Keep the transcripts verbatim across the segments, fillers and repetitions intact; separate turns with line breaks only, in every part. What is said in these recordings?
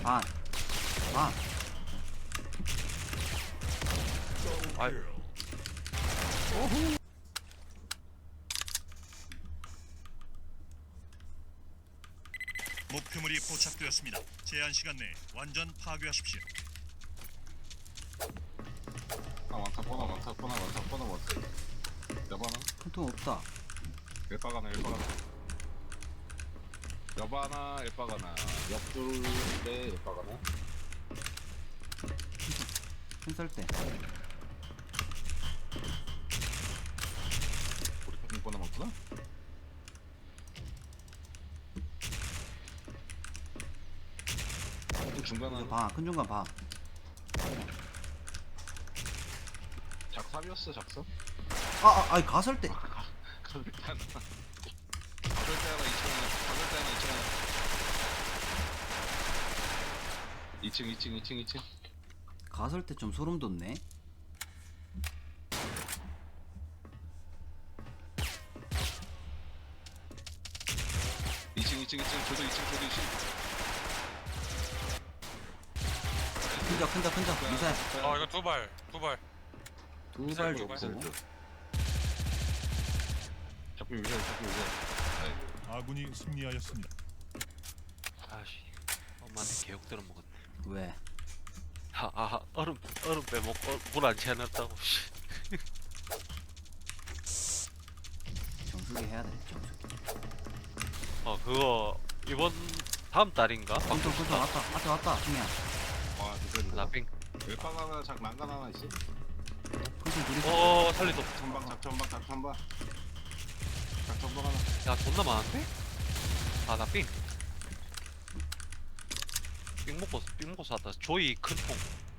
반. 반.
아이.
목표물이 포착되었습니다. 제한 시간 내에 완전 파괴하십시오.
아 많다 뻔하 많다 뻔하 많다 뻔하 많다 여바나?
큰통 없다.
엘바가나 엘바가나 여바나 엘바가나 옆둘에 엘바가나
큰썰 때.
우리 같은 뻔하 많구나? 중간은
방. 큰 중간 방.
작삽이었어 작삽?
아, 아, 아이 가설 때.
가설 때 하나 가설 때 하나 이천 원 가설 때 하나 이천 원 이층 이층 이층 이층
가설 때 좀 소름 돋네.
이층 이층 이층 저도 이층 저도 이층
큰자 큰자 큰자. 미사일.
어 이거 두발 두발.
두발
미사일
좋고.
잡히 미사일 잡히 미사일
아군이 승리하였습니다.
아씨 엄마한테 개욕 들어 먹었네.
왜?
아, 아 얼음 얼음 빼먹고 물 안 채워놨다고.
정수기 해야 돼. 정수기.
어 그거 이번 다음 달인가?
큰통 큰통 왔다. 앞에 왔다. 중이야.
와 미사일
라핑.
웰빵 하나 작 난간 하나 있어?
큰통 둘이.
어 살리도.
작전방 작전방 작전방 작전방 하나
야 존나 많은데? 아나 삥. 삥 먹고 삥 먹고 샀다. 조이 큰 통.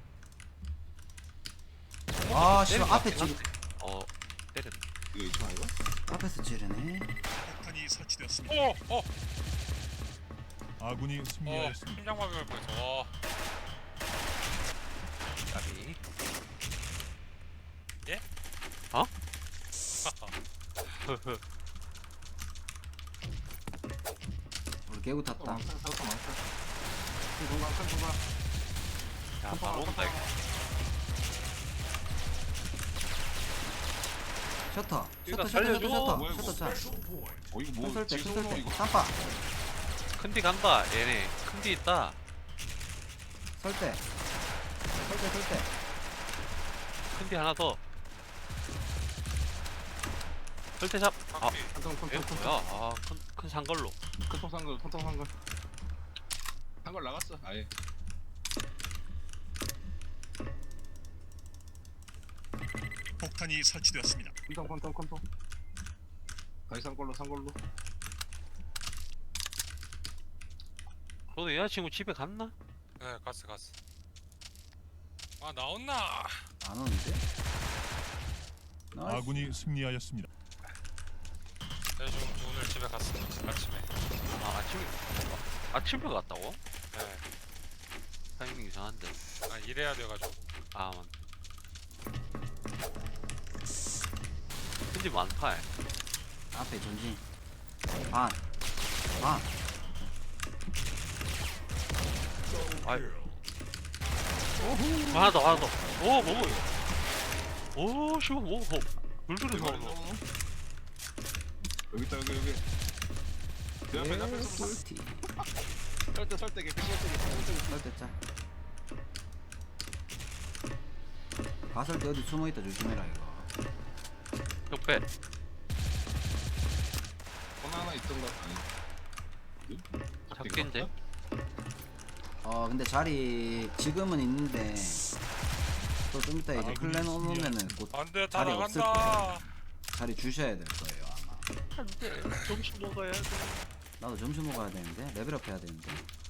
아, 씨,
때린 것
앞에
같긴
지금-
한데. 어 때렸네.
이거 이천 아이가?
앞에서 찌르네.
폭탄이 설치되었습니다.
오! 어!
아군이
어!
승리하였습니다.
심장마비를 보여서 어.
까비.
예?
어?
우리 개구 탔다.
많다 사서 많다 큰 공간 큰 공간
야 바로 온다 이거.
셔터.
이거
셔터 셔터
살려줘.
셔터 셔터.
뭐야, 이거.
셔터 차.
어 이거 뭐
큰썰 때
지금
큰썰 때.
이거
쌈바.
큰디 간다 얘네. 큰디 있다.
설 때. 설 때, 설 때.
큰디 하나 더. 절대 잡. 아,
큰통
얘
큰통
뭐야? 아, 큰, 큰 산걸로.
큰통 산걸 큰통 산걸 산걸 나갔어 아예
폭탄이 설치되었습니다.
큰통 큰통 큰통 다시 산걸로 산걸로
너도 여자친구 집에 갔나?
네 갔어 갔어. 아 나온나?
안 오는데? 나이스.
아군이 승리하였습니다.
대중 오늘 집에 갔어 아침에.
아, 아침에. 아침에 갔다고?
네.
타이밍 이상한데.
아 일해야 돼가지고.
아, 맞. 근데 많다.
앞에 전진. 반. 반.
아이. 하나 더, 하나 더. 오, 뭐고 이거? 오, 씨발, 뭐, 뭐. 물들이
여기
나오노.
여기 있다 여기 여기 내 앞에 내 앞에 서
꿀티.
설때 설때 개피 설때 개피 설때
설 때 짜. 가설 때 어디 숨어있다 조심해라 이거.
옆에.
하나 하나 있던가 아니
잡긴데?
어 근데 자리 지금은 있는데 또 좀 이따 이제
아군이
클랜 오면은 곧
안돼 다
자리 없을
나간다.
자리 주셔야 될 거예요 아마.
안 돼. 점심 먹어야 돼.
나도 점심 먹어야 되는데 레벨업 해야 되는데.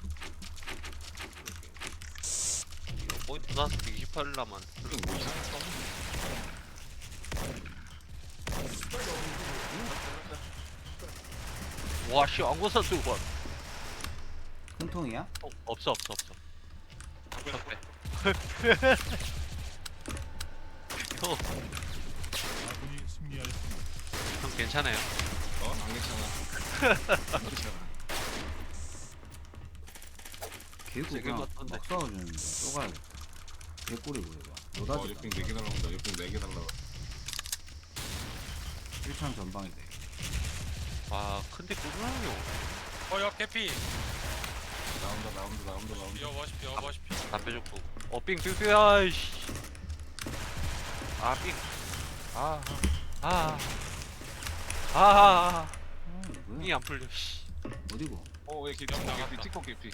이거 포인트 나서 이십팔 남았.
이거 뭐 이상했어
와, 씨, 안고사 들고 와.
큰 통이야?
어, 없어, 없어, 없어. 적배. 형,
아군이 승리하였습니다.
형 괜찮아요?
어? 안 괜찮아 안 괜찮아
개구
세개
그냥
같던데.
막 싸워주는데 쏘가야겠다. 개꿀이고 이거.
어,
노다지다.
역행 네 개 날라온다. 역행 네 개 날라와.
일 창 전방이다.
아, 근데 꾸준하게 오네.
어옆 개피.
나온다, 나온다, 나온다, 나온다.
비어 버시피 어 버시피.
담배 줬고. 어, 삥, 삥, 삥, 아이씨. 아, 삥. 아, 아. 아, 아, 아.
음, 뭐야?
삥이 안 풀려, 씨.
어디고?
어, 왜 이렇게
영
티코
나갔다.
개피, 티코 개피.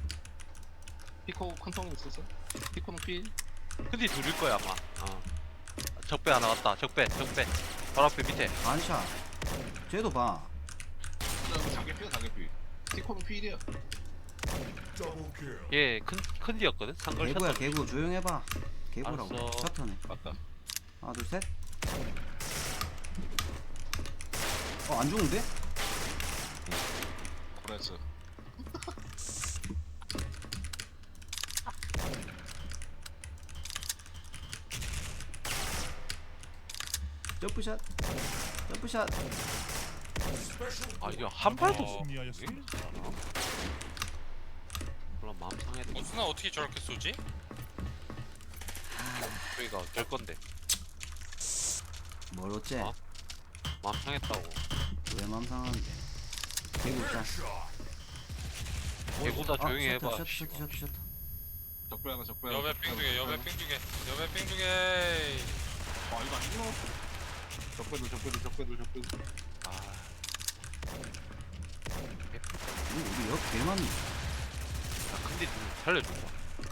티코 큰통 있었어? 티코는 피. 근데 둘일 거야, 아마. 어. 적배 하나 왔다. 적배, 적배. 바로 앞에 밑에.
반샷. 쟤도 봐.
다개피야, 다개피. 티코는 피일이야. 얘 큰, 큰 뒤였거든? 상걸
개구야
샷.
개구 조용해봐. 개구라고.
알았어.
셔터네.
맞다.
하나 둘 셋. 어 안 죽는데?
그랬어.
점프샷. 점프샷.
아, 이거 한 발도
어.
못.
승리하였습니다.
그럼 마음 상해도
어스나 어떻게 저렇게 쏘지?
저희가 어쩔 건데.
뭘 어째?
어? 마음 상했다고.
왜 맘상하는데? 개구 샷.
개구다 조용히
아,
해봐.
셔터
씨.
셔터 셔터 셔터.
적배 하나, 적배 하나.
여배 삥 두개 여배 삥 두개 여배 삥 두개.
아, 이거 안 죽어. 적배들, 적배들, 적배들, 적배들. 아.
이거 우리 옆 개만.
아, 근데 좀 살려줘봐.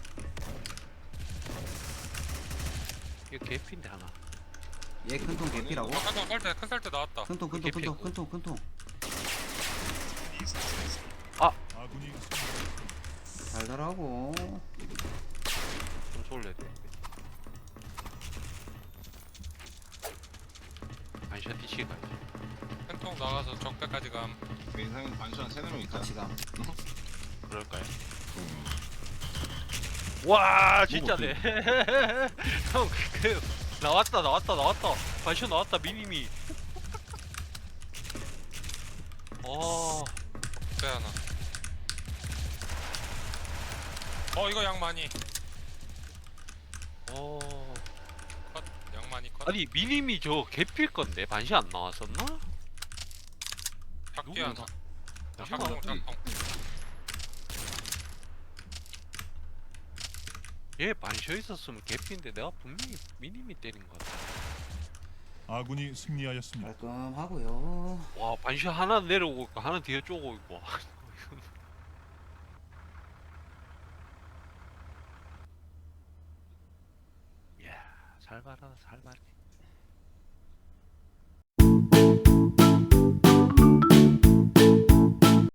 이거 개피인데 하나.
얘 큰통 개피라고?
큰통 설때 큰 설때 나왔다.
큰통 큰통
개피고.
큰통 큰통 큰통.
아군이 승리했습니다. 아군이
달달하고.
좀 쏠래 돼. 반샷 뒤치기 가야지.
큰통 나가서 적배까지 감.
내 인상엔 반샷 세네 명 있다.
같이 가.
그럴까요? 와 진짜네. 형, 그 나왔다 나왔다 나왔다. 반샷 나왔다 미니미. 어.
배 하나. 어 이거 양 많이.
어.
컷. 양 많이 컷.
아니 미니미 저 개필 건데 반샷 안 나왔었나?
작기 하나.
누구야?
작통 작통.
얘 반샷 있었으면 개피인데 내가 분명히 미니미 때린 거 같아.
아군이 승리하였습니다.
깔끔하고요.
와 반샷 하나 내려오고 있고 하나 뒤에 쪼고 있고. 이야 살벌하다 살벌해.